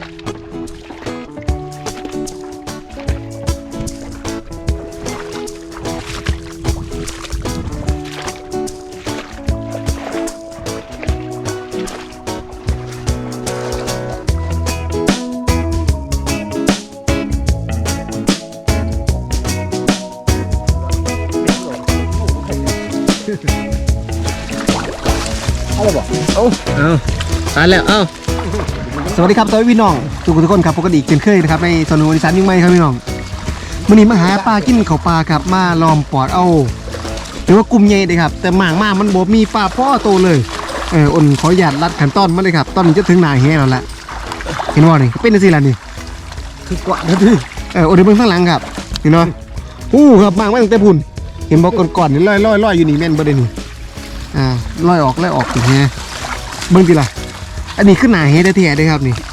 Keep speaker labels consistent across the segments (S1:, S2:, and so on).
S1: อะไรบอกเอา
S2: ตายแล้วสวัสดีครับสวัสดีพี่น้องทุกคนครับปกติเช่นเคยนะครับในสนุนอีสานยิ่งไม่ครับพี่น้องมื้อนี้มาหาปลากินข้าวปลาครับมาล้อมปอดเอาหรือว่ากลุ่มใหญ่เลยครับแต่หมางมากมันบ่มีปลาพ่อโตเลยอ่นขออนุญาตรัดขั้นตอนมาเลยครับตอนนี้จะถึงหน้าแห้แล้วละเห็นว่านี่เป็นจังซี่ล่ะนี่
S1: คือกว่านะพี่
S2: อ่นเดี๋ยวเบิ่งข้างหลังครับเห็นบ่ครับหมางมาตั้งแต่พุ่นเห็นบ่ก่อนๆนี่ลอยอยู่นี่แม่นบ่ได้นี่ลอยออกถึงแฮเบิ่งติล่ะอันนี้ขึ้นหน้าแฮแท้ๆเด้ครับนี่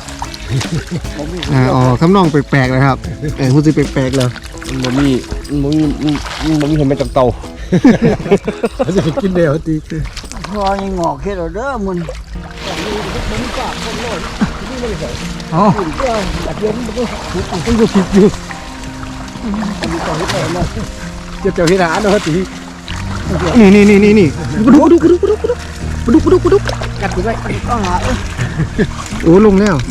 S2: ทำนองแปลกๆนะครับพูดสิแปลกๆแล้ว
S1: มันมีเห็นเป็นเต่าเขาจะกินเดียวตี
S3: พอยังงอกแค่เราเด้อมัน
S2: อ๋อ
S1: แบบเย็นมันก็ต้องดูผิดอยู่เจ้าที่ร้านเนาะตี
S2: นี่ดู
S1: กัดอยู่ไว้
S3: ก็หา
S2: โอ้ลงแล้ว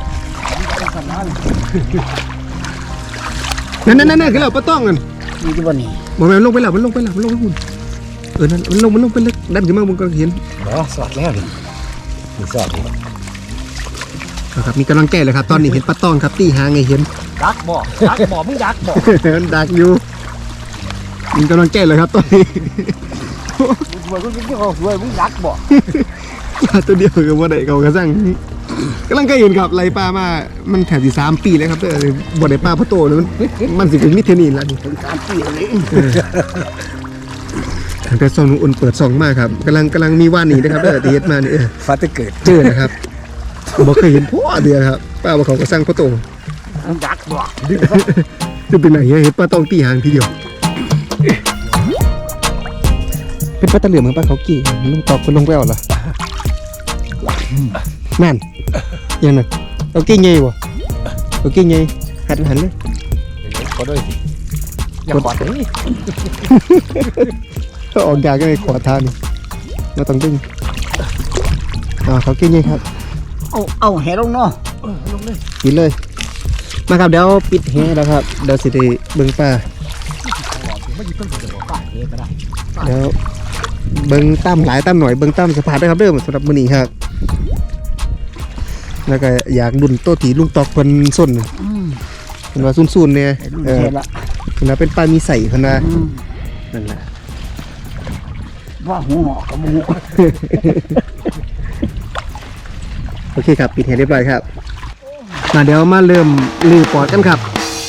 S2: นั่นคือเราปะต้องกัน
S3: มีที่บ้านนี่
S2: บอกแม่ลงไปแล้วมันลงไปหุ่นนั่นมันลงไปเล็กดันขึ้นมาบนกระเห็น
S1: สอดแล้วนี่สอด
S2: ครับมีกำลังแก้เลยครับตอนนี้เห็นปะต้องครับตีหางไงเห็น
S1: ดักบ่มึงดักบ่
S2: ดักอยู่มีกำลังแก้เลยครับตอนนี้
S1: มึงก็ยิ่งเขาสวยมึงดักบ่
S2: ตัวเดียวกับว่าได้เขากระสั่งกำลังเห็นครับไรปลามามันแถบที่3 ปีแล้วครับแต่บ่ได้ปลาพะโตเลยมันสิเป็นมิเทนีนแล้วนี่
S3: ถึง3 ปีเลย
S2: แต่ซองอุ่นเปิดซองมากครับกำลังมีว่านนี่นะครับแต่เฮ็ดมานี่
S1: ฟ้าจะเกิด
S2: เจอนะครับบ่เคยเห็นพ่อเดียวครับป้าบ่เขาก็สั่งพะโต
S3: ดักบ่
S2: จะเป็นไหนเห็นปลาต้องตีหางทีเดียวเป็นปลาตะเหลือมปลาเขากี่มันลงตอกคนลงแววเหรอนั่นยังนั่นเอาเก่งไงวะเอาเก่งไงหันเลย
S1: ขอด้วยอย่าขอดนี่
S2: ถ้าออกยาก็เลยขอทานเราต้องดึงเขาเก่งไงครับ
S3: เอาแหลงเนาะ
S1: ลงเลย
S2: ปิดเลยมาครับเดี๋ยวปิดแหแล้วครับเดี๋ยวสิได้เบิ่งปลาเดี๋ยวเบิ่งตั้มหลายตั้มหน่อยเบิ่งตั้มสะพานได้ครับเด้อสำหรับมื้อนี้ครับแล้วก็อยากดุนโตถีลุงตอกเพิ่นส้นเพิ่นว่าซุ่นๆเนี่ยเพิ่นว่าเป็นปลามีใส่เพิ่นว่านั่นแหละ
S3: ว่าหัวหอกกับหัว
S2: โอเคครับปิดแหเรียบร้อยครับมาเดี๋ยวมาเริ่มลื้อปอดกันครับ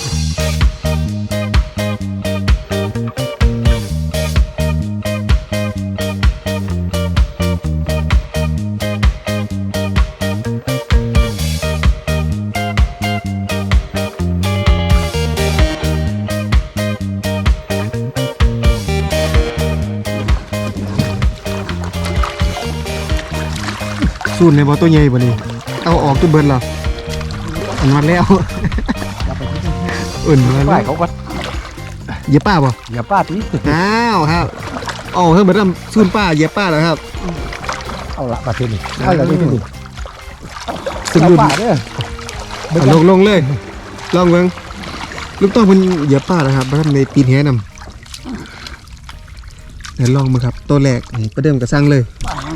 S2: สูนในบ่อตัวใหญ่บ่นี่เอาออกตัวเบิร์นหรออันวัดแล้วอุ่นมาแล้ว
S1: เขาก็
S2: เหยียบป้าบ่
S1: เหยียบป้าตี
S2: อ้าวครับอ๋อเพิ่งมาทำสูนป้าเหยียบป้าแล้วครับ
S1: เอาละปลาเทนี่เอาละนี่นี่
S2: สุดลุนลงเลยลองเบิ่งลูกต้องเป็นเหยียบป้านะครับมาทำในปีนแหนำเดี๋ยวลองมาครับตัวแรกนี่ประเดิมกระซังเลย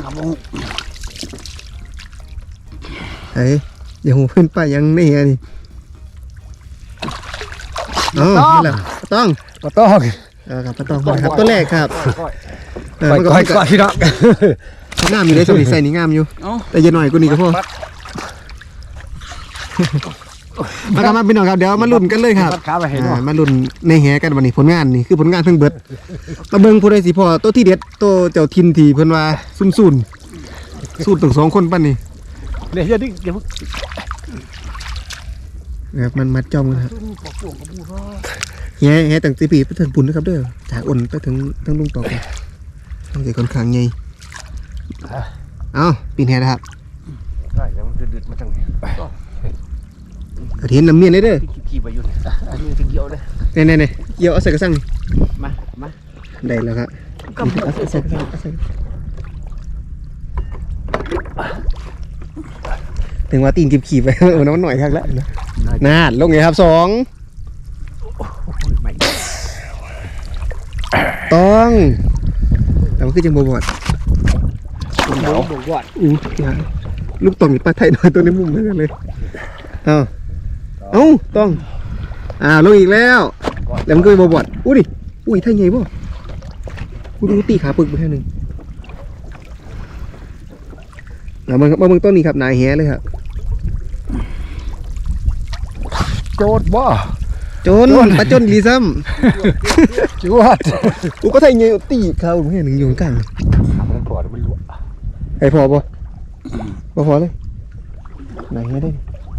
S2: อย่าหูเพื่อนป้ายังไม่เห็นนี่นี่แหละต้อง
S1: ครับ
S2: ครับตัวแรกครับ
S1: ก้อยพี่น้อง
S2: งามอยู่ได้สมัยใส่นี่งามอยู่แต่ยังหน่อยกูนี่ก็พอมาครับมาพี่น้องครับเดี๋ยวมาลุ้นกันเลยครับมาลุ้นในแหกันวันนี้ผลงานนี่คือผลงานเพิ่งเบิดตะเบิงผู้ใดสิพอตัวที่เด็ดตัวเจ้าทินที่เพิ่นว่าซุ่นสูตรถึง2 คนปั้นนี่
S1: เดี๋ยวดิเดี๋ยว
S2: มันมัดจอมกันครับแง่ตั้งตีปีไปถึงปุ่นนะครับเด้อจากอ่อนไปถึงลุงตอกต้องเสียค่อนข้างไงปีนแห่นะครับ
S1: ได้แล้วมันดืดมาจัง
S2: เห็นน้ำเมียนเลยเด้อ
S1: ขี่ไปอยู่อันนี้จะเกี่ยวเลย
S2: เนี่ยเกี่ยวเอาใส่กระสังนี่
S1: มา
S2: ได้แล้วครับ
S3: ก็บ่
S2: เอาใส่กระสังเอาใส่ถึงว่าตีนขี่ไป โอ้น้ำหน่อยครับแล้วน่าลงไงครับ2ต้องแต่มันคือจังบวช
S1: เดี๋ยวบอกว่า
S2: ลูกต่องปลาไทยหน่อยตัวในมุมเหมือนกันเลยเอาต้องลงอีกแล้วแล้วมันก็บวชอุ้ยไทยไงบ่กูดูตีขาปึกไปแค่นึงแล้วมันเบิ่งต้นนี้ครับนายแฮเลยครับ
S1: โจดบ่
S2: จนปลาจนลีซ้
S1: จวด
S2: ำกูก็ไทยไงตีขาปึกแค่นึงอยู่กลาง
S1: มันปวดมันหลวม
S2: ไอ้พอบ่พอเลยนายแฮได้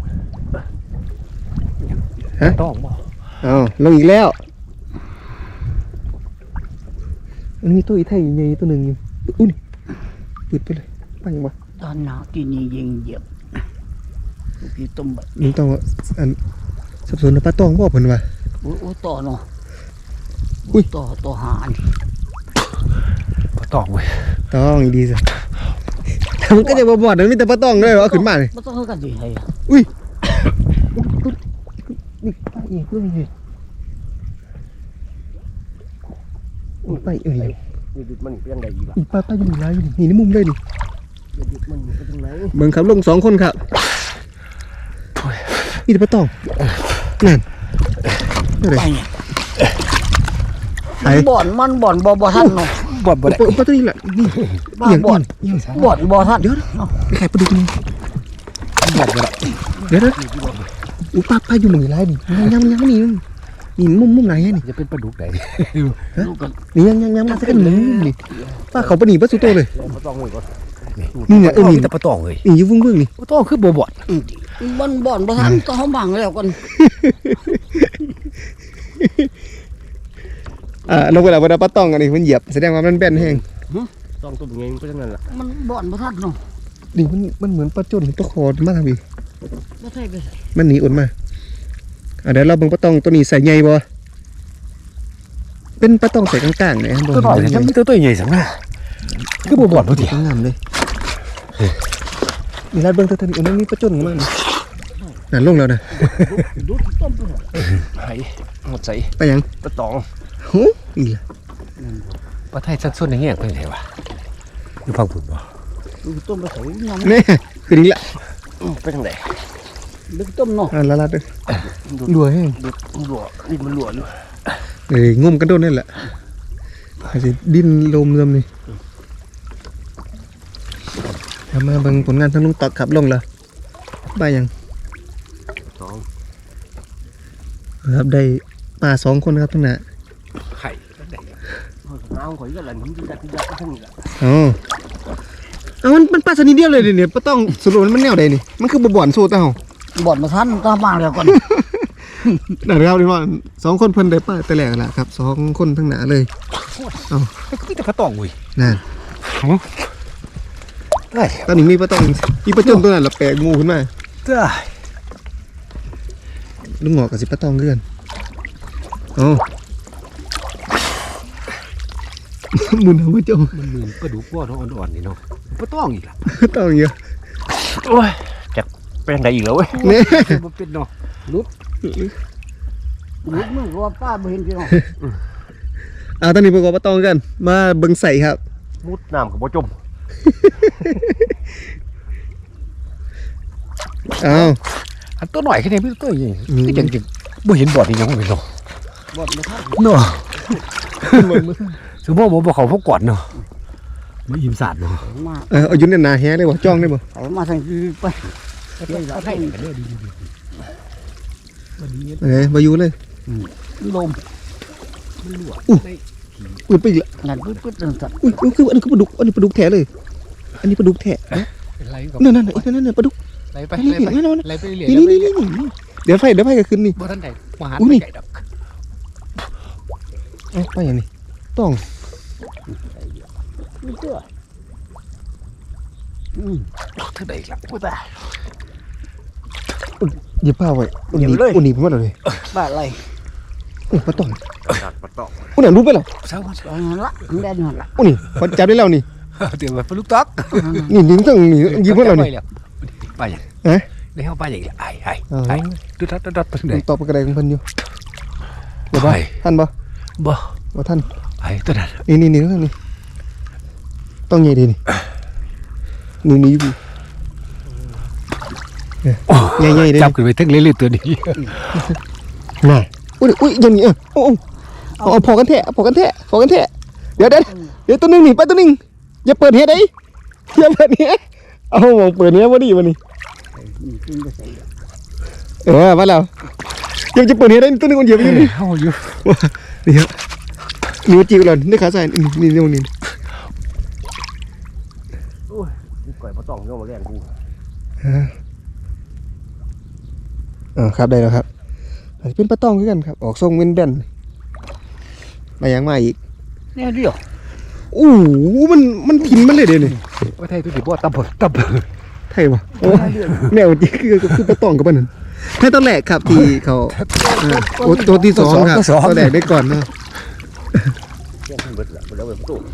S2: ฮะ
S1: ต้องบ่
S2: ลงอีกแล้วมันมีตัวอีไทยใหญ่ตัวหนึ่งอยู่อุ้ยปิดไปเลยไปยังบ่
S3: ตอนหนาวที่นี่ยิงเหยียบพี่ต้มแบบ
S2: มึงต้องอันสับสนปลาตองบ่เพิ่นว่า
S3: โอ้ต่อเนาะ
S2: อุ้ย
S3: ต่อหาน
S1: ต้องเว้ย
S2: ต้องดีสิแต่มันก็จะบ่บอดมันมีแต่ปลาตองด้วยเอาขึ้นมาเลย
S3: บ่ต้องเฮากันสิให้
S2: อุ้ยนี่ไปอีกเรื่องนี้ไป
S1: นี่ดิมันเป็นไงอีกล่ะ
S2: อีปลาอยู่ไหนอยู่นี่ในมุมเลยนี่
S1: ดิมันอยู่ตรงไหน
S2: เบิ่งครับลง2คนครับมีแต่ปลาตองนั่น
S3: ไปเนี่ยมันบ่อนบ่ทันเนาะ
S1: บอดบ่ได้
S2: ปลาตัวนี้แหละนี่
S3: บ้าบ่อนบ่ทัน
S2: เดี๋ยวไปไข่ปลาดุกนี่
S1: บอดบ่ได้
S2: เดี๋ยวอุ้ยปลาอยู่หมึงไรนี่ยังนี่มุมไหนนี่
S1: จะเป็นปลาดุกไหน
S3: ลูกกัน
S2: นี่ยังมาสักกันนี่ปลาเขาปลาหนีปลาสุโตเลย
S1: ปลาต้องเลยก่อน
S2: นี่เนี่ยนี่
S1: แต่ปลาต้องเลย
S2: นี่อยู่เบื้องนี่
S1: ปลาต้องคือบ่บอด
S3: มันบ่อนบ่ทันต้องเฮาบังแล้วกัน
S2: ลงไปแล้วเวลาปลาตองอันนี้มันเหยียบแสดงว่ามันแบนแห้ง
S1: ต้องตัวเองก็จังนั้นล่ะ
S3: มันบ่อนบ่ทันเนาะ
S2: นี่มันเหมือนปลาจนตัวคอมาทำอีก
S3: บ่ใช่ไป
S2: มันหนีอดมาเดี๋ยวเราเบิ่งปลาตองตัวนี้ใส่ใหญ่บ่เป็นปลาตองใส่กลางๆเนี่ย
S1: ตัวน้อยจะมีตัวใหญ่สังนะคือบ่บอดบ่ติ
S2: งามเลยนี่ลาดเบิ่งตัวนี้อันนี้ปลาจนมากนั่นลงแล้วนะ
S3: ดูต้มไป
S1: ไผหมดใจ
S2: ไปยัง
S1: ปลาต้อง
S2: โหอีล่ะ
S1: ปลาไทยสัดส่วนอย่างเงี้ยเป็นไงวะอยู่ฟังผุนบ่
S3: ดูต้มไปใส่น้
S2: นี่คือนี่ละ
S1: ไปทางไหน
S3: ำดึกต้มเนาะ
S2: ละลาดเลยรัวแห้ง
S1: หลัวดินมันหลัวอยู่
S2: งมกันโดนนั่นแหละอาจจะดิ้นลมลมนี่ทำมาเบิ่งผลงานทั้งลุงตักขับลงแล้วไปยัง
S1: 2
S2: ครับได้ปลา2 คนครับทั้งนั้น
S1: ไข่น้ำข่อยก็หลั่นที่จัดทั้งนี้ล่ะ
S2: เอามันปลาชนิดเดียวเลยเนี่ยปลาต้องสรุปมันแนวใดนี่มันคือบ่อนโซ่เต้า
S3: บ่อนบ่ทันต้องบังแล้วกัน
S2: นั่นครับที่ว่า2 คนเพิ่นได้ปลาแต่แรกแล้วครับ2 คนทั้งนั้นเลย
S1: ก็มีแต่ปลาตองเว้ย
S2: นั่น
S1: ได้
S2: ตอนนี้มีปลาต้องมีปลาจนตัวนั้นละแปลกงูขึ้นมา
S1: ได้
S2: ลุงหงอกกับสิปลาตองเกือนอ๋อ มุนเอาไว้จ้อง
S1: มันเหมือนปลาดุกว่าน้องอ่อนๆนี่เนาะปลาตองอีกล่ะ
S2: ต้องเยอะ
S1: โอ้ยจักไปทางใดอีกแล้วเว้ย
S2: เนี่ย
S1: บ่เป็นเนาะ
S3: ลุกมึงรอป้าบ่เห็นพี่น้อง
S2: ตอนนี้ประกอบปลาตองกันมาเบิ่งใส่ครับ
S1: มุดน้ำกับบ่จม
S2: อ้าว
S1: อันตัวหน่อยแค่นี้พี่ตัวใหญ่คือจังบ่เห็นบอดนี่ยังบ่เป็นเนาะ
S3: บ่อนบ่ทัน
S1: เนาะสมมุติบ่เขาพวกก่อนเนาะบ่อิ่มสาดเนาะ
S3: มา
S2: เอาอยู่ในหนาแฮได้บ่จ้องได้บ่
S3: เอามาทางนี้ไป
S1: เอาให้กันเด้อดี
S2: บ่อยู่เลย
S3: ลม
S1: มันรั่ว
S2: ปืนไปอีกละ
S3: นั่นปึ๊ดๆจังซั่น
S2: อุ้ยคืออันนี้คือปลาดุกอันนี้ปลาดุกแท้เลย อันนี้ปลาดุกแท้
S1: เป็นไรก็
S2: นั่นปลาดุก
S1: ไล่ไป
S2: นี่
S1: ไล่ไปเรื่อย
S2: นี่เดี๋ยวไฟก็ขึ้นนี่
S1: บ่ทันได้มาหา
S2: อุ้ยนี่
S1: ใหญ่ดอก
S2: ไปอย่างนี้ต้อง
S3: นี่ตัว
S1: ทางใดอีกล่ะโอ้ตาย
S2: ไปหยิบผ้าไว้อุ่นหนีบผมว่าเลย
S3: บ้าอะไร
S2: ปลาตอง
S1: ปลาตอง
S2: อุ่นหนารู้ไปแล้ว
S1: เศร้า
S3: เอาหันละแดนหันละ
S2: อุ่นนี่พอจับได้แล้วนี่
S1: เดี๋ยวมาปลาลูกต๊อก
S2: นี่ต้องนี่หยิบให้เรานี่
S1: ไปอย่าง
S2: ฮะ
S1: ในห้องไปอย่างไอ้ดุดไปไหน
S2: ตอบกระไดของเพิ่นอยู่เดี๋ยว
S1: ไป
S2: ท่านบ่
S1: บ่
S2: ว่าท่าน
S1: ไอ้ตัวนั้น
S2: นี่ต้องใหญ่ดีนี่อยู่ใหญ่ๆเลย
S1: จับขึ้นไปทั้งเรื่อยๆตัวนี้
S2: น่ะอุ้ยอย่างนี้เอาพอกันแท้เดี๋ยวตัวนึงนี่ไปตัวนึงอย่าเปิดเฮ็ดได้อย่าเปิดเฮ็ดเอามองเปิดเฮ็ดบ่ดีบ่นี่
S3: นี่ขึ้นไปใส่
S2: มาแล้วยังจะเปิดเฮ็ดได้ตัวนึงคนเดียวอยู่นี่
S1: เข้าอยู่
S2: นี่ครับนิ้วจิ้วแล้วนี่ขาใส่นี่ตรงนี้
S1: ก่อยปลาตองเข้ามาแรงกู
S2: ครับได้แล้วครับเป็นปลาตองคือกันครับออกทรงเว้นแบนมายังมาอีก
S3: เนี่ยเดียว
S2: โอ้โหมันพินมันเลยเดี๋ยวนี้
S1: ว่าไทยตัวนี้บ่ตับ
S2: ไทยวะโอ้แนวจริงคือปลาตองกับมันนั่นแค่ตอนแรกครับที่เขาตัวที่สองครับตัวแรกได้ก่อนนะ
S1: แก้งเบิดละเบิดแล้วเบิดประตู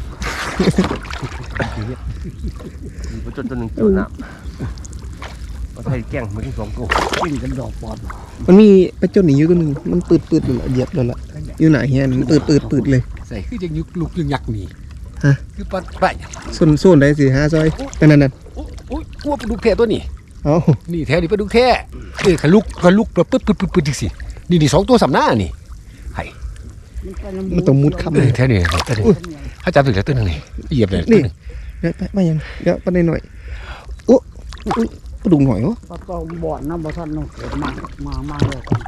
S1: มีตัวนึงเกี่ยวน้ำว่าไทยแก้งมันที่2ตัว
S3: กินกันดอกปอด
S2: มันมีปลาเจ้าหนีอยู่ตัวนึงมันปืดเหยียบเลยละอยู่ไหนเฮียมันปืดเลย
S1: ใส่คือยังยุกลุกยังยักนี่
S2: ฮะ
S1: คือปลาไป
S2: ส่วนได้สิ5ซอยนั่น
S1: โอ้ยกลัวปลาดุกแท้ตัวนี้
S2: เอา
S1: นี่แท้นี่ปลาดุกแท้ขลุกปึ๊ดสินี่2ตัวสำหน้านี่ไห้
S2: มันต้องมุดค่ำเลย
S1: แท้นี่ถ้าจับถึงแล้วตัวนึงนี่เหยียบเลย
S2: นี่เดี๋ยวไปยังเดี๋ยวไปหน่อยโอ้ปลาดุกหน่อยวะ
S3: ปลาตองบ่อนน้ำบ่ทันน้องเกิดมาเลยก่อน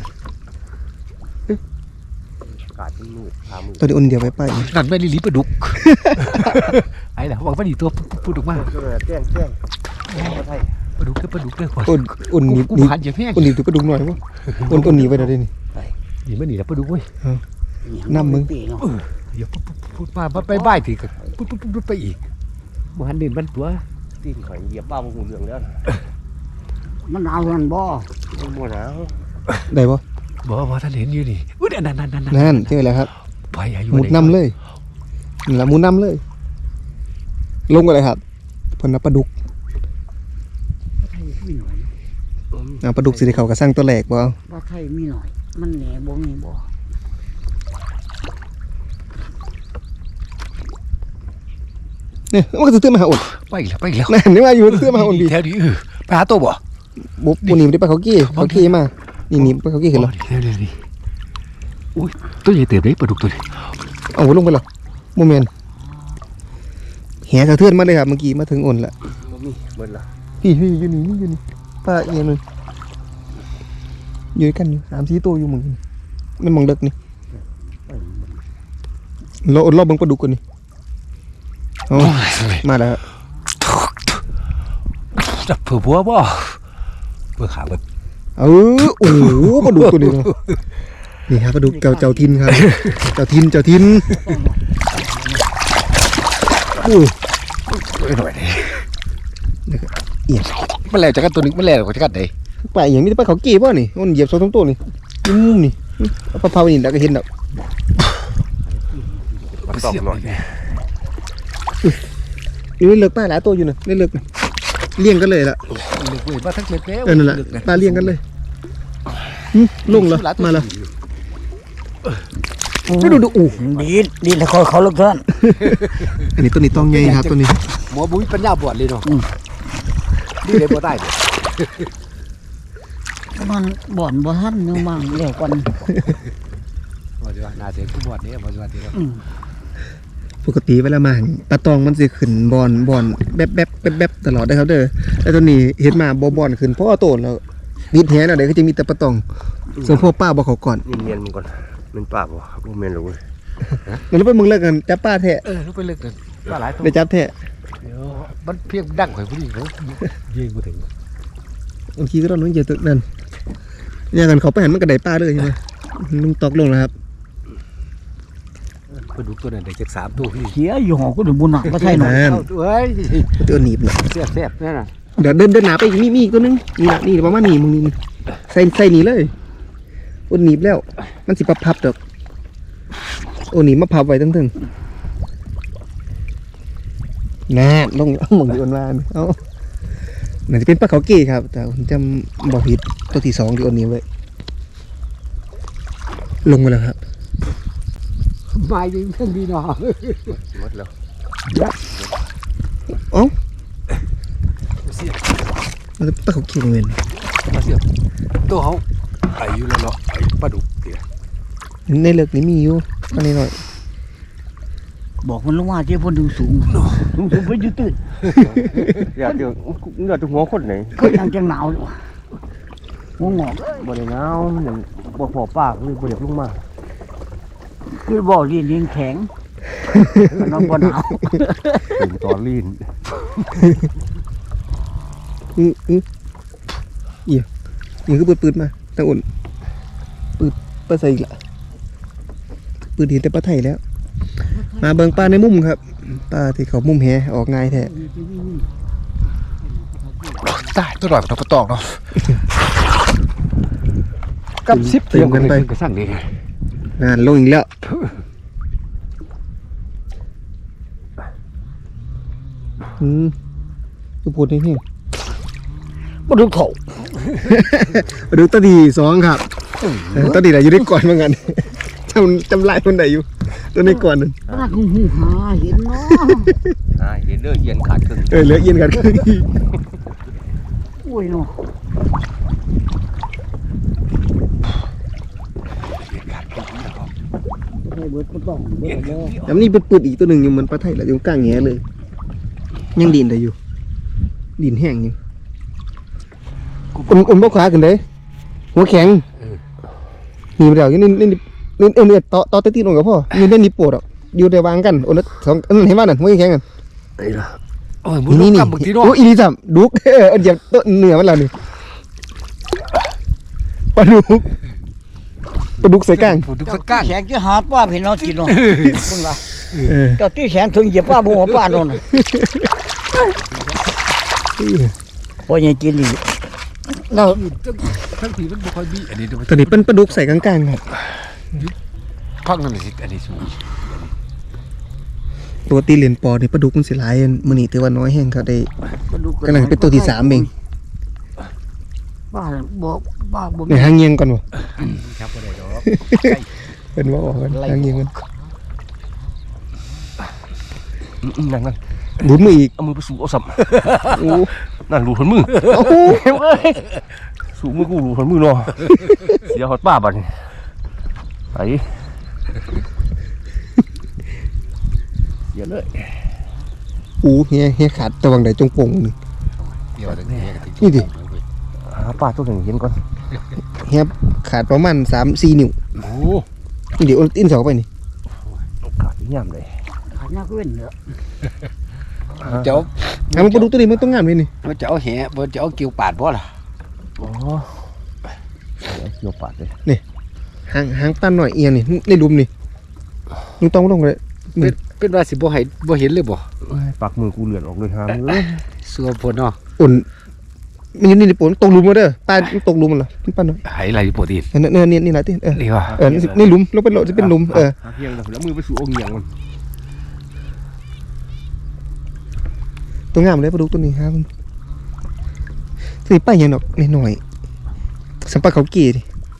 S1: กาดมือพามือ
S2: ตัวนี้อุ่นเดียวไป
S1: นั่นไม่ลิปลาดุกไอ้ล่ะวางปลาดีตัวพูดออกมา
S3: แจ้ง
S1: ปลาดุกเด้อคน
S2: อุ่นหนี
S1: กูผ่านอย่าแห้ง
S2: อุ่นหนีตัวปลาดุกหน่อยวะอุ่นหนีไปเดี๋ยวนี้
S1: นี่มันนี่แล้วปลาดุกเว้ย
S2: น้ำมึง
S3: ปีเนาะ
S1: เดี๋ยวพูดมาไปบ่ายทีก็พูดไปอีกบ่หันเดินมันตัว
S4: ตีนข่อยเหยียบบ้าหูเรื่องแล้ว
S3: มันเอากันบ่
S4: มัวหนาว
S2: ได้ปะ
S1: บอกว่าท่านเห็นอยู่นี่อุ้ยนั่น
S2: นั่นเจอแล้วครับ
S1: ไปอายุ
S2: มุดน้ำเลยนี่ละมุดน้ำเลย ลงกันเลยครับเพิ่นปลาดุก
S3: ไทยมีหน่อย
S2: ปลาดุกสิได้เขากระสั่งตัวแหลกบ่
S3: ว่าไทยมีหน่อย มันแหน่บ่มีบ่
S2: เนี่ยมันก็จะเตื้อมาหาอุ่น
S1: ไปแล้ว
S2: นั่นนี่ว่าอยู่เตื้อมาหาอุ่นดี
S1: แถวนี้ไปหาตัวบ่
S2: บุ๊บปุ่นนี่ได้ไปเขากี้มานี่ไปเขากี้เห็นแล้ว
S1: นี่อุ้ยตัวใหญ่เติบได้ปลาดุกตัวนี้
S2: เอาลงไปแล้วโมเมนแหสะเทือนมาเลยครับเมื่อกี้มาถึงอุ่นละ
S4: เบิดละ
S2: พี่อยู่นี่ป้าเอียนเลยอยู่ด้วยกันอยู่3-4ตัวอยู่มึงมันมองเด็กนี่เราอดรอบเบิ่งปลาดุกกันนี่เอามาแล้ว
S1: จับเผื่อบัวบ่เผื่อขาเบิด
S2: โอ้โหปลาดุกตัวนี้เนาะนี่ครับปลาดุกเจ้าทินครับเจ้าทินโอ้
S1: หน่อย
S2: เอียด
S1: มันแล้วจากกันตัวนึงมันแล้วจากกันไหน
S2: ไปอย่างนี้ไปเขากี้ป่ะนี่มันเหยียบ2-3ตัวนี่มุมนี่เอาปลาเผานี่แล้วก็เห็นแล้ว
S4: มันต้องหน่อย
S2: อยู่เลือกป้าหลายตัวอยู่นะเลือกเลี้ยงกันเลยล่ะ
S1: เล็กเว้ยมาทั้งเล็กแล้ว
S2: นั่นแหละปลาเลี้ยงกันเลยลงแล้วมาแล้วไม่ดูอู้
S3: ดีแล้วเขาลึกเท่านั้น
S2: อันนี้ตัวนี้ต้องใหญ่ครับตัวนี้
S1: หมอบุ้ยปัญญาบวชเลยเนาะนี่เลยบ่ได้
S3: มันบ่อนบ่ทันยังบางเดี๋ยวก่อน
S1: บ่จะน่าเสียกูบวชเนี่ยบ่จะว่าดีแล้ว
S2: ปกติเวลามาปลาตองมันสิขึ้นบอนแบบตลอดได้ครับเด้อแต่ตัวนี้เห็นมาบอนขึ้นเพราะว่าโตแล้วนิดแฮแล้วเดี๋ยวก็จะมีแต่ปลาตองส่วนพวกป้าบ่เขาก่อน
S4: นี่เมียนมันก่อนมันปากบ่ครับบ่เมียนหรอกเว้ย
S2: แล้วไปมึงเลิกกันจับป้าแท้
S1: ลูกไปเลิกกันว่าหลายตัว
S2: ได้จับแท้
S1: เดี๋ยวมันเพียงดังข่อยผู้นี้เขายิงกูถึง
S2: บางทีก็ต้องน้องเหยียบตึกนั่นอย่างกันเขาไปหันมันก็ได้ป้าเลยใช่ไหมลุงตอกลงแล้วครับ
S1: ปลาดุกตัวนั้นได้จาก3ตัวพี่
S3: เสียอยู่หอก็ถึงบุญหนักบ่ไทยหน่อย
S2: นั่น
S1: เอ้ย
S2: ตัวหนีบน่ะ
S1: แซ่บนั่นน่ะ
S2: เดี๋ยวเดินหนาไปอีกมีอีกตัวนึงนี่ละนี่ประมาณนี้มึงนี่ใส่นี่เลยโอ้หนีบแล้วมันสิพับดอกโอ้หนีบมาพับไว้ตั้งถึงน่าลงเอาหมองดีอ่อนวานเอาน่าจะเป็นปลาเขาเก๋ครับแต่ผมจำบอกผิดตัวที่2ที่โอนนี้ไว้ลงมาแล้วครับ
S3: มาอยู่เพิ่นพี่น้อง
S4: หมดแล้ว
S2: เอ้ามันจะปลาเขาเก๋เงิน
S1: มาเสียบตัวเขาไอ้อยู่แล้วเนาะไอ้ปลาดุกเดี๋ยว
S2: ในเลือกนี้มีอยู่อันนี้หน่อย
S3: บอกมันลงมาเจ้าเพิ่นดูสูงเพิ่นอยู่ตื่น
S4: อยากเดี๋ยวเลือดหัวคนไหน
S3: เพิ่นยังจังหนาวอยู่หัวงอก
S4: บ่ได้หนาวมันยังบ่พอปากเลยบ่อยากลงมา
S3: คือบ่ดินแข็งมันนอนบ่หนาว
S4: ถึงตอนลีน
S2: นี่คือปืดมาตั้งอุ่นปืดปลาใส่อีกละปืดเห็นแต่ปลาไทยแล้ว มาเบิ่งปลาในมุมครับปลาที่เขามุมแหออกง่ายแท้
S1: ตายตัวหน่อยมันต้องกระตอกเนาะกับซิปเตรียมกันไปกระสั่งดี
S2: งานลงอีกแล้วดูพูดนี่พี่
S3: บ่ดูเขา
S2: มาดูตาดี2ครับตาดีไหนอยู่ในก่อนเหมือนกันจำลายคนไหนอยู่ตัวในก่อนนึง
S3: ปลาหูหาเห็นเนาะ
S4: เห็นเด้อเย็นขาดครึ่ง
S2: เหลือเย็นกัน
S3: โอ้ยเนาะ ให้เบิดบ่ต้องเบิดแล้ว
S2: แล้วนี่ปืดอีกตัวหนึ่งอยู่เหมือนปลาไทยแหละอยู่กลางแหเลย ยังดินได้อยู่ดินแห้งอยู่อุ่นบ่ขวาขึ้นเลยหัวแข็งนี่เดี๋ยวนี่ต่อตีนลงกับพ่อนี่ได้นี่ปวดอ่ะอยู่ได้วางกันอุ่น2อันนั้นเห็นว่านั่นหัวแข็งกัน
S4: ไอ้ล่ะ
S1: โอ้ยมึงกำบึกที่นอก
S2: โอ้อีนี่ซ้ำดุกเหยียบต้นเหนือมันแล้วนี่ปลาดุกใส่ก้าง
S1: ผมดูสักก้าง
S3: แขกจะหาปลาพี่น้องกินเนาะเพิ่นว่าเจ้าที่แขนถึงเหยียบปลาบ่หัวปลาโน่นน่ะบ่ยังกินอีกเรา
S1: ทั้งทีมันบ่ค่อยมีอันนี้ดู
S2: ตอนนี้เป็นปลาดุกใส่กลางๆครับ
S1: พักนั่นสิอันนี้สูง
S2: ปกติเหรียญปอนี่ปลาดุกมันสิหลายมื้อนี้ถือว่าน้อยแห้งครับได้
S3: ปลาดุก
S2: กำลังเป็นตัวที่3เอง
S3: ปลาบ่ปลาบ่
S2: ในหางเงียงก่อนบ่
S1: ครับบ่ได้ดอก
S2: เป็นว่าออกกันหางเงียงกัน
S4: นั่น
S2: บุญมืออีก
S4: เอามือไปสู่เอาสับ
S2: โอ้
S4: นั่นรูดมือ
S2: โอ้โห
S4: สู่มือกูรูดมือเนาะเสียหอดป้าบัดนี้ไปเดี๋ยวเลย
S2: โอ้เฮียขาดตะวังใดจงโป่งนี่
S1: เดี๋ยวนี้
S2: นี่ดิ
S4: หาป้าตัวหนึ่งเห็นก่อน
S2: เฮียขาดประมาณ3-4 นิ้ว
S1: โอ้
S2: นี่เดี๋ยวอินเสาไปนี่
S4: ขาดย่ำเลย
S3: ขาหน้าก็เว้นเด้อ
S1: เจ้า
S2: หามันปลาดุกตัวนี้มันต้องงามเลยนี่
S1: มันจะเอาแหบ่จะเอาเกี่ยวปาดบ่ล่ะ
S4: อ๋อเกี่ยวปาดเลย
S2: หางปลาหน่อยเอียงนี่ในหลุมนี่ลุงต้องลงเลย
S1: เป็นว่าสิบ่ให้บ่เห็นเลยบ่
S4: ปากมือกูเลือดออกเลยฮะมือ
S1: สัวพ่นเนาะ
S2: อุ่นมันอยู่นี่ปนตกหลุมมาเด้อปลาตกหลุมมันเหรอปลาหน่อย
S1: ไหไหลโปรตีน
S2: นี่แหละที่
S1: นี่ว่า
S2: นี่หลุมลงเป็นโหลจะเป็นหลุม
S4: หาเพียงแล้วมือไปสู่องค์เหยียงมัน
S2: ตัวงามเลยปลาดุกตัวนี้ครับสิไปยังดอกหน่อยสัมปะเขากี่ดิ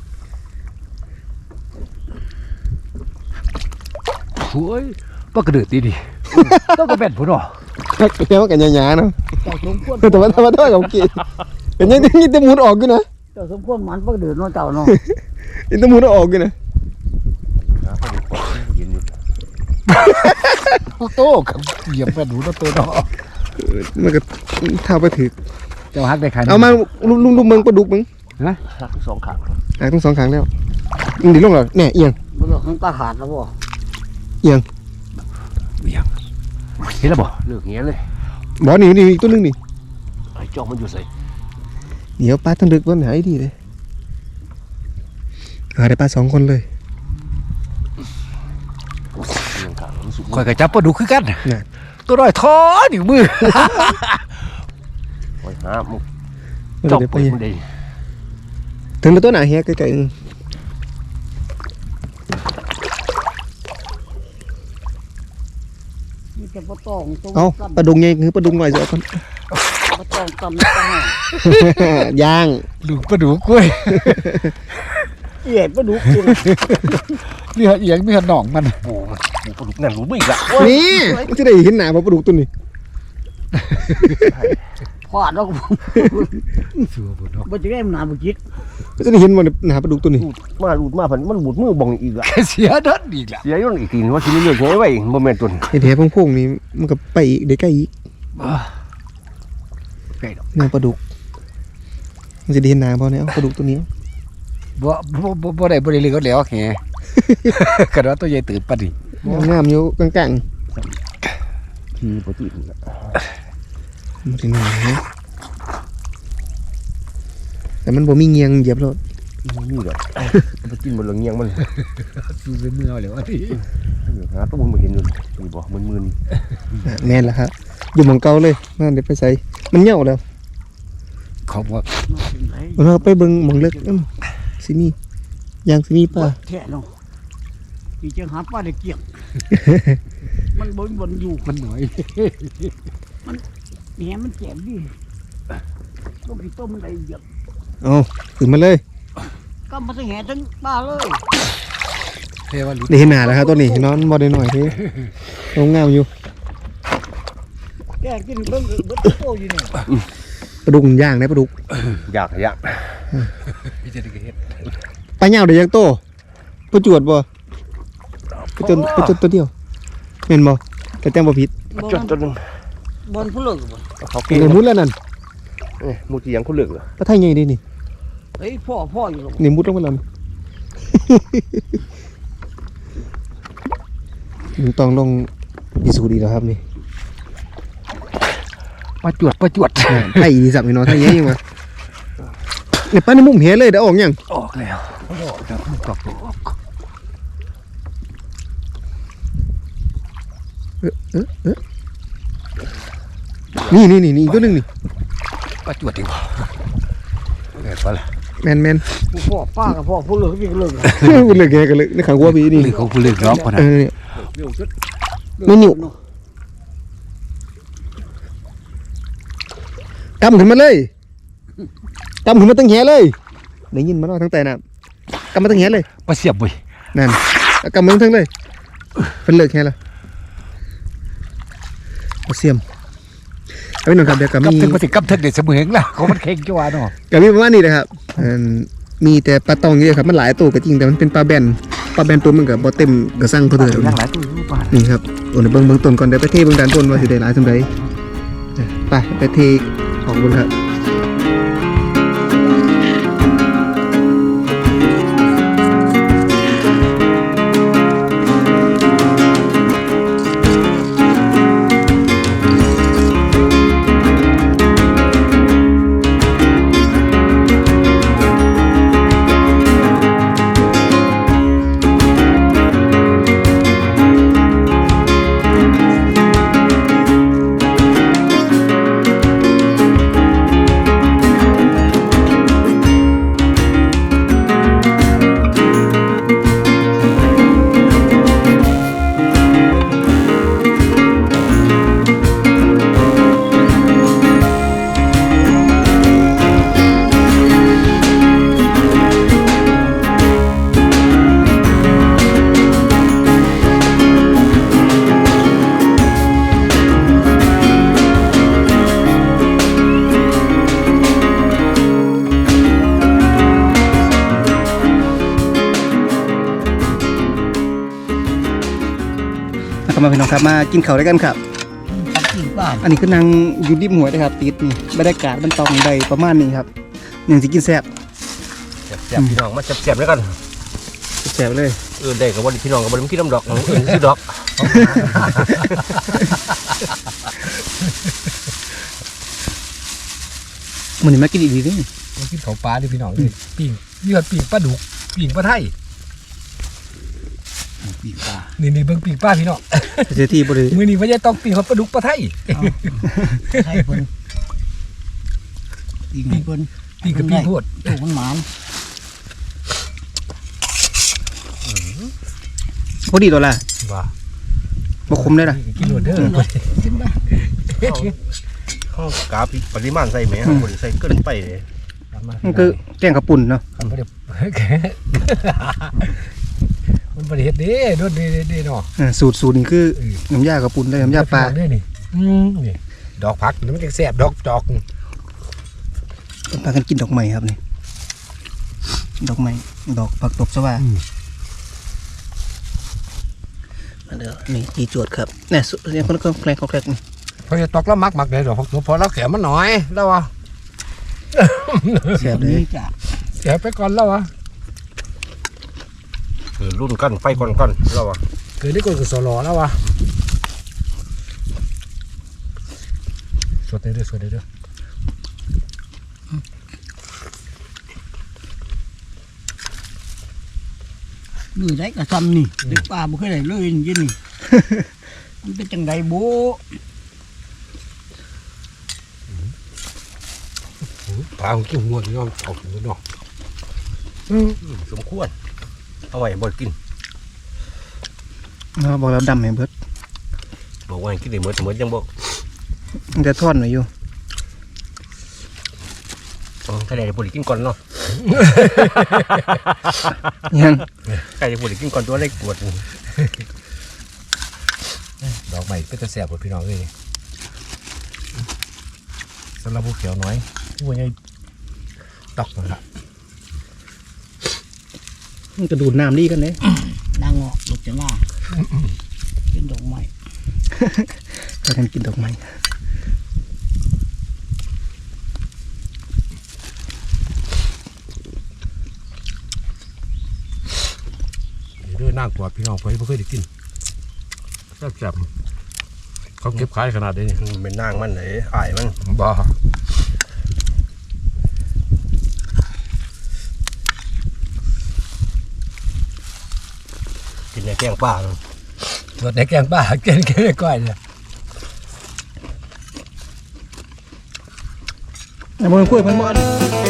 S1: โอ้ยบ่กระเดือดดีต้องกระแบนพุ่นเนาะ
S2: แค่ว่ากันหยาๆเนาะ
S3: เจ้าสมควร
S2: แต่ว่าเขากี่เป็นยังนี่ตะมูนออกกันนะ
S3: เจ้าสมควรมันปลาเดือดเนาะเจ้าเนาะ
S2: นี่ตะมูนออกกันนะ
S4: เย็นอยู่
S1: โตกับเหยียบแม่นหูเนาะตัวเนาะ
S2: มันก็เท้าไปถือ
S1: เจ้าฮักได้ขาย
S2: เอามาลุงเมืองปลาดุกมึง
S4: หักสองขา
S2: ทั้ง2ครั้งแล้วดิลงเหรอเนี่ยเอียง
S3: บ่รู้มันปลาขาดแล้วบ่
S2: เอียง
S1: เห็นแล้วบ่
S4: เลือกเงี้ยเลย
S2: บ่นี่อีกตัวนึงนี่
S4: ไอ้จ้องมันอยู่ใส่
S2: เดี๋ยวปลาทั้งดึกวันไหนดีเลยได้ปลา2 คนเลย
S4: ยังขามันสุก
S1: ข่อยก็จับปลาดุกคือกัน
S2: น่ะ
S1: ตัวน้อยท้อนิ้วมือ
S4: ไว้หามุก
S2: มัน
S4: จบ
S2: เดี๋ยว
S4: ไป
S2: ไป
S4: มันได้
S2: ถึงตัวหนาเฮียไกลๆ
S3: มีแต่ปลาตองตัว
S2: เอาปลาดุงไงคือปลาดุงหน่อยเสียก่อน
S3: ปลาตองตำตำ
S2: ย่าง
S1: ลูกปลาดุกกล้วย
S3: เอียดปลาดุกกิน
S1: มีหัดเอียงมีหัดหนองมัน
S4: โอ้ปลาดุกนั่นรู้ไม่อีกละ
S2: นี่มันจะได้เห็นหนาปลาดุกตัวนี้
S3: พอดแล้ว
S1: สัวบ่ดอก
S3: มันจะได้มันหนาบุจิต
S2: มันจะได้เห็นมันหนาปลาดุกตัวนี้
S4: รูดมาพันมันบูดมือบ่งอีกละ
S1: เสียเดินอีกละ
S4: เสียย้อนอีกทีว่าสิมีเลือกไงไว้บ่แม่นตุน
S2: เห็นแผลพงๆนี่มันก็ไปอีกได้ใกล้อีก
S1: ไก่ดอก
S2: หนาปลาดุกมันจะได้เห็นหนาพอเนี่ยปลาดุกตัวนี้
S1: บ่ได้เลยก็แล้วแห กระโดดตัวใหญ่ตื่นปะดิ
S2: งามอยู่กลาง
S4: ทีปกตินี่ละ
S2: ๆมันถึงหนาเนี่ยแต่มันบ่มีเงียงเหยียบรถ
S4: นี่แหละมันกินบ่ละเงียงมัน
S1: สู้เมื่อแล้วที่
S4: หาตัวมันบ่เห็นอยู่นี่บ่มึน
S2: แม่นละครับอยู่หมองเก่าเลยนั่นเดี๋ยวไปใส่มันเหี่ยวแล้ว
S1: เขาบอก
S2: เราไปเบิ่งหมองเล็กสิมียางสิมีป่ะ
S3: แท้เนาะอีจังหาปลาได้เกี่ยงมันบนอยู่
S1: มันหน่อย
S3: แหมมันแจ่มดิต้มกี่ต้มอะไรเยอะ
S2: เอาขึ้นมาเลย
S3: ก็มาทั้งแห่ทั้งปลาเลย
S1: เทว่าหลุด
S2: ได้เห็นหนาแล้วครับตัวนี้นอนบ่ได้หน่อยเท่ลงงามอยู่
S3: แกกินเบิ่งโตอยู่นี่
S2: ปลาดุกย่างได้ปลาดุก
S4: ๆอยาก
S1: พี่จะได้เห็น
S2: ปลาเหย่าได้ยังโตปลาจวดบ่ปลาจนตัวเดียวแม่นบ่แต่แต้มบ่ผิด
S4: จนนึง
S3: บนผู้เลิกบ่
S4: เขา
S2: ใน
S4: เก่ง
S2: มุดแล้วนั่น
S4: มูที่ยังเขาเลือกเหรอ
S2: ปลาไทยใหญ่ดีนี่
S3: เฮ้ยพ่ออยู่หรอก
S2: นี่มุดลงไปแล้วนี่ มันต้องลงพิสูจน์ดีแล้วครับนี่
S1: ประจวด
S2: ไทยอีสับนี่เนาะไทยใหญ่ยังวะเนี่ยปลาในมุมเห็นเลยได้ออกยัง
S1: ออกแล้วครับกอกออก
S2: นี่อีกตัวหนึงนี่
S1: ประจวดดีกว่าเกิดว่าล่ะ
S2: แม่น
S3: ผู้พ่อป้ากับพ่อผู้เลิกพี่ก็เลิก
S2: ๆมันเลยแกกันเลยในขังหัวพี่นี่
S1: หรือเขาผู้เลือกร้องคนนั้น
S2: เนี่ยไม่นิ่วกำขึ้นมาเลยกำขึ้นมาตั้งแหเลยได้ยินมาเนาะทั้งแต่น่ะกำมาตั้งแหเลย
S1: ประเสียบเว้ย
S2: นั่นแล้วกำมาทั้งเลยเป็นเลิกแหแล้วเอาเสียมเอาไปหน่อยครับเดี๋ยวก็
S1: กับ
S2: มี
S1: ถึงมาถึงกับถึงเด็ดเสมอแล้วเขามันเข่งจังหวะเนาะ
S2: ก็มีประมาณนี้นะครับมีแต่ปลาตองเยอะครับมันหลายตัวก็จริงแต่มันเป็นปลาแบนตัวมันกับบ่เต็มกระสังเพอเถอะ
S1: ยังหลายตัวอยู่ป่ะ
S2: นี่ครับโอ้ยเบิ่งต้นก่อนเดี๋ยวไปเทเบิ่งด้านต้นว่าสิได้หลายสำใดไปเทออกบนครับมาพี่น้องครับมากินข้าวด้วยกันครับ
S3: กินปลา
S2: อันนี้คือนางอยู่ริมหัวยนะครับติดนี่บรรยากาศมันต้องได้ประมาณนี้ครับอย่างสิกินแซ่บ
S4: แซ่บพี่น้องมาแซ่บๆแล้วกัน
S2: แซ่บเลย
S4: ได้กับวันพี่น้องกับวันพี่น้ำดอกซื้อดอก
S2: มันนี่มากินอีกทีนึง
S1: มากินเขาปลาดิพี่น้องเลยปิ่งเลือดปิ่งปลาดุกปิ่งปลาไทยปิ่งปลานี่เบิ่งปิ่งปลาพี่น้อง
S2: เสียที่บริ
S1: มือนี้พ่อใหญ่ต้องปิ่งเขาปลาดุกปลาไทย
S3: ให้เพิ่นอีกให้เพิ่น
S1: ตีกับพี่พูด
S3: ถูกมันหมาน
S2: พอดีตัวละ
S1: ว่า
S2: บ่คมได้ล่ะ
S1: กินหมดเด้อ
S3: กินไป
S4: ข้าวกาปิปริมาณใส่แหมบ่ได้ใส่เกินไปเลย
S2: มันคือแกงกระปุ่นเนาะ
S1: มันบ่ได้มันบ่ได้เฮ็ดเด้โดนเด้เนาะ
S2: สูตรนี่คือน้ำยากระปุ่นได้น้ำยาปลา
S1: เด้นี่นี่ดอกผักมันจังแซ่บดอกจอก
S2: พากันกินดอกไม้ครับนี่ดอกไม้ดอกผักตบสว่ามาเด้อนี่จีจวดครับนี่สุดเนี่ยคนแกล้งนี่
S1: พอจะตอกแล้วมักได้ดอกผักตัวพอแล้วแขมันน้อยแล้ววะ
S2: แซ่บเลย
S3: นี่จ้ะ
S1: แขไปก่อนแล้ววะ
S4: รุ่นกันไฟก่อนแล้วอ่ะ
S1: เกิดได้ก่อนก็สลอแล้ววะสวดได้เด้อ
S3: มือได้กระซำนี่เด็กป่าบ่เคยได้เลยยินนี่ มันเป็นจังไดโบ
S1: ปลาของกินหัวนี่ยอมเอาหัวเนาะ
S4: สมควรเอาไว้บ่กิน
S2: บอกแล้วดำให้เบิด
S4: บอกว่ากินได้หมดยังบ่
S2: มันจะทอดหน่อยอยู่
S4: ถ้าได้บ่ได้กินก่อนเนาะ
S2: ยัง
S4: ใครจะบ่ได้กินก่อนตัวเล็กปวด
S1: ดอกใหม่ก็จะแสบกว่าพี่น้องเลยสำหรับผู้เขียวน้อยผู้ใหญ่ตอกนั่นละ
S2: มันกระดูดน้ำดีกันเลย
S3: นางออกลูกจะหน้าเป็นดอกไม้
S2: พากันกินดอกไม้
S1: เด้อน่ากลัวพี่น้องไปไม่เคยได้กินแซ่บๆเขาเก็บขายขนาดนี้
S4: เป็นนางมันเลยอายมัน
S1: บ้า
S4: กินในแกงป่า
S1: ส่วนในแกงป้าเกินก้อยเนี่ย
S2: มันกล้วยมันมัน